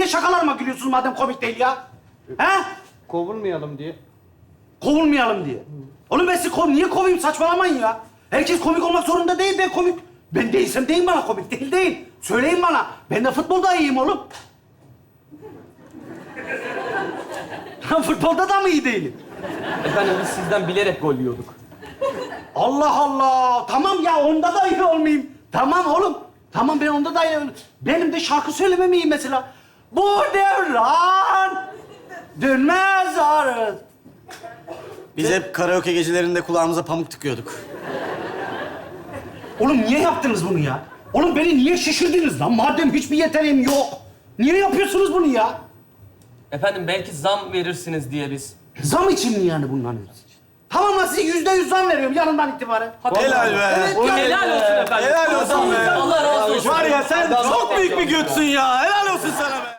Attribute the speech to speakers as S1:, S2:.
S1: Niye şakalarıma gülüyorsunuz madem komik değil ya? He?
S2: Kovulmayalım diye.
S1: Kovulmayalım diye. Oğlum ben sizi niye kovayım? Saçmalamayın ya. Herkes komik olmak zorunda değil. Ben komik. Ben değilsem deyin bana komik. Değil. Söyleyin bana. Ben de futbolda iyiyim oğlum. Futbolda da mı iyi değilim?
S3: Efendim biz sizden bilerek gol yiyorduk.
S1: Allah Allah. Tamam ya onda da iyi olmayayım. Tamam oğlum. Tamam ben onda da iyi olayım. Benim de şarkı söylemem iyi mesela. Bu devran dönmez arız.
S4: Biz hep karaoke gecelerinde kulağımıza pamuk tıkıyorduk.
S1: Oğlum niye yaptınız bunu ya? Oğlum beni niye şişirdiniz lan? Madem hiçbir yeteneğim yok. Niye yapıyorsunuz bunu ya?
S3: Efendim belki zam verirsiniz diye biz.
S1: Zam için mi yani bunların hepsi? Tamam lan size %100 zam veriyorum yarından itibaren.
S4: Helal be.
S1: Evet ya.
S3: Helal olsun efendim.
S4: Helal olsun be.
S3: Allah razı olsun.
S4: Var ya sen çok büyük bir götsün ya. Helal olsun sana be.